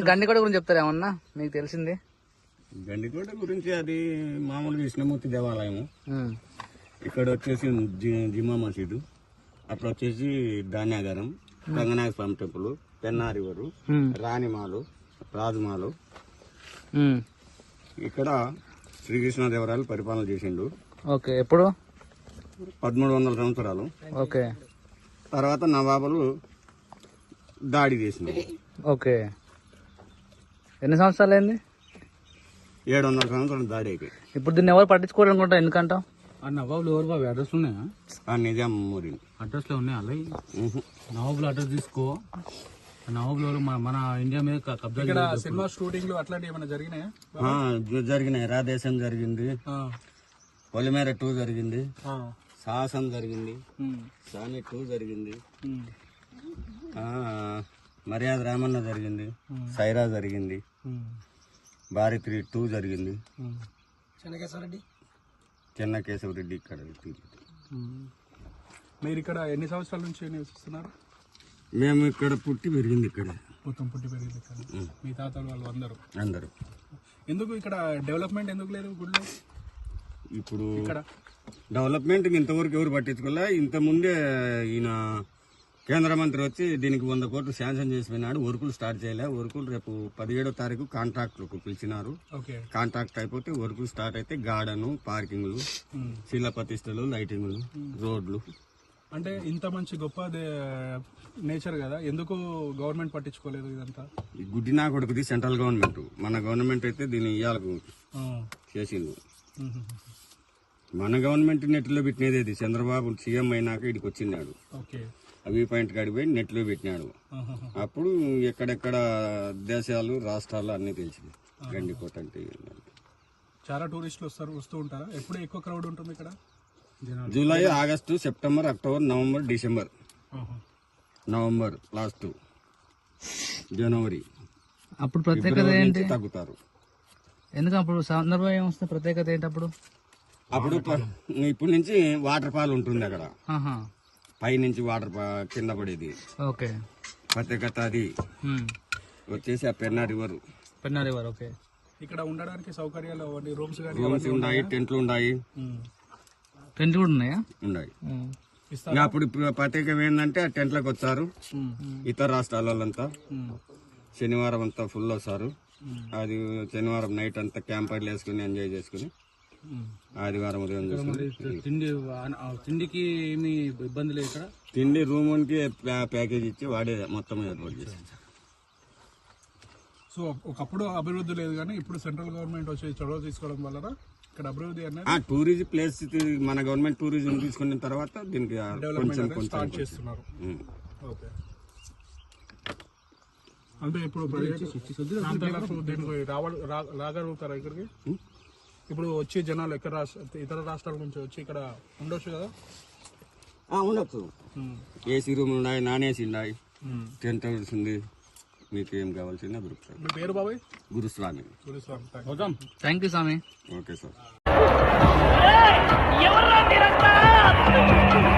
గండికోట గురించి చెప్తారా ఏమన్నా మీకు తెలిసింది? గండికోట గురించి అది మామూలు విష్ణుమూర్తి దేవాలయము. ఇక్కడ వచ్చేసి జిమా మసీదు, అప్పుడు వచ్చేసి ధాన్యాగారం, రంగనాథ స్వామి టెంపుల్, పెన్నారివరు, రాణిమాలు, రాజుమాలు. ఇక్కడ శ్రీకృష్ణదేవరాయలు పరిపాలన చేసిండు. ఓకే, ఎప్పుడు? 1300 సంవత్సరాలు. ఓకే, తర్వాత నవాబులు దాడి చేసినారు. ఓకే, ఎన్ని సంవత్సరాలు అయింది? 700 సంవత్సరాలు దాడి అయిపోయి. ఇప్పుడు దీన్ని ఎవరు పట్టించుకోరు అనుకుంటా, ఎందుకంటావు? ఆ నవాబులు ఎవరు బాబు? అడ్రస్ ఉన్నాయా? ఆ నిజాం ఊరి అడ్రస్లో ఉన్నాయి అలా. నవాబులు అడ్రస్ తీసుకో. నవాబులు ఎవరు? మన ఇండియా మీద కబ్జా. ఇక్కడ సినిమా షూటింగ్లు అట్లాంటివి ఏమైనా జరిగినాయా? జరిగినాయి. రాధేశం జరిగింది, పొలిమేర 2 జరిగింది, సాహసం జరిగింది, సాని 2 జరిగింది, మర్యాద రామన్న జరిగింది, సైరా జరిగింది, భారతి 2 జరిగింది, చెన్నకేశవరెడ్డి ఇక్కడ. మీరు ఇక్కడ ఎన్ని సంవత్సరాల నుంచి నివసిస్తున్నారు? మేము ఇక్కడ పుట్టి పెరిగింది ఇక్కడ. మొత్తం పుట్టి పెరిగింది ఇక్కడ. మీ తాతలు వాళ్ళు అందరూ. ఎందుకు ఇక్కడ డెవలప్మెంట్ ఎందుకు లేదు గుడిలో? ఇప్పుడు ఇక్కడ డెవలప్మెంట్ ఇంతవరకు ఎవరు పట్టించుకోలే. ఇంత ముందే ఈయన కేంద్ర మంత్రి వచ్చి దీనికి 100 కోట్లు శాంక్షన్ చేసిపోయినాడు. వర్కులు స్టార్ట్ చేయలే. వర్కులు రేపు 17వ తారీఖు కాంట్రాక్టులకు పిలిచినారు. కాంట్రాక్ట్ అయిపోతే వర్కులు స్టార్ట్ అయితే గార్డెను, పార్కింగ్లు, శిలా ప్రతిష్టలు, లైటింగ్లు, రోడ్లు. అంటే ఇంత మంచి గొప్ప నేచర్ కదా, ఎందుకు గవర్నమెంట్ పట్టించుకోలేదు ఇదంతా? ఈ గుడ్డి నా కొడుకుది సెంట్రల్ గవర్నమెంట్. మన గవర్నమెంట్ అయితే దీన్ని ఇయ్యాలకు చేసింది. మన గవర్నమెంట్ నెట్లో పెట్టినది ఇది. చంద్రబాబు సీఎం అయినాక ఇడికి వచ్చినాడు. వ్యూ పాయింట్ కాడికి పోయి నెట్లో పెట్టినాడు. అప్పుడు ఎక్కడెక్కడ దేశాలు, రాష్ట్రాలు అన్ని తెలిసింది గండికోట అంటే. చాలా టూరిస్టులు వస్తూ ఉంటారా? ఎప్పుడు ఎక్కువ క్రౌడ్ ఉంటుంది ఇక్కడ? July, August, September, October, November, December, November last, జనవరి. అప్పుడు ప్రత్యేకత ఏంటి? తగ్గుతారు. ఎందుకు అప్పుడు సందర్భం ఏమొస్తుంది? ప్రత్యేకత ఏంటి అప్పుడు? అప్పుడు ఇప్పుడు నుంచి వాటర్ ఫాల్ ఉంటుంది అక్కడ. పై నుంచి వాటర్ కింద పడేది. ఓకే, ప్రత్యేకత అది. వచ్చేసి ఆ పెన్నా రివర్. ఓకే. ఇక్కడ ఉండడానికి సౌకర్యాలు, రూమ్స్ ఉన్నాయి, టెంట్లు ఉన్నాయి. టెంట్లు కూడా ఉన్నాయా? ఉన్నాయి. అప్పుడు ప్రత్యేకం ఏంటంటే ఆ టెంట్లకు వచ్చారు ఇతర రాష్ట్రాల వాళ్ళంతా. శనివారం అంతా ఫుల్ వస్తారు. అది శనివారం నైట్ అంతా క్యాంపర్లు వేసుకుని ఎంజాయ్ చేసుకుని ఆదివారం ఉదయం తిండికి ఏమి ఇబ్బంది లేదు ఇక్కడ. తిండి రూమ్కి ప్యాకేజ్ ఇచ్చి వాడే మొత్తం ఏర్పాటు చేశారు. సో ఒకప్పుడు అభివృద్ధి లేదు, కానీ ఇప్పుడు సెంట్రల్ గవర్నమెంట్ వచ్చి చొరవ తీసుకోవడం వల్ల ఇక్కడ అభివృద్ధి అనేది టూరిజం ప్లేస్ మన గవర్నమెంట్ టూరిజం తీసుకున్న తర్వాత దీనికి డెవలప్మెంట్ స్టార్ట్ చేస్తున్నారు. అంటే ఇప్పుడు రాగలుగుతారా ఇక్కడికి? ఇప్పుడు వచ్చే జనాలు ఇతర రాష్ట్రాల నుంచి వచ్చి ఇక్కడ ఉండొచ్చు కదా? ఉండొచ్చు. ఏసీ రూమ్ ఉన్నాయి, నాన్ ఏసీ ఉన్నాయి, టెంట్ హౌస్ ఉంది. మీకు ఏం కావాల్సిన దొరుకుతుంది. మీ పేరు బాబాయ్? గురుస్వామి. థ్యాంక్ యూ స్వామి. Okay sir.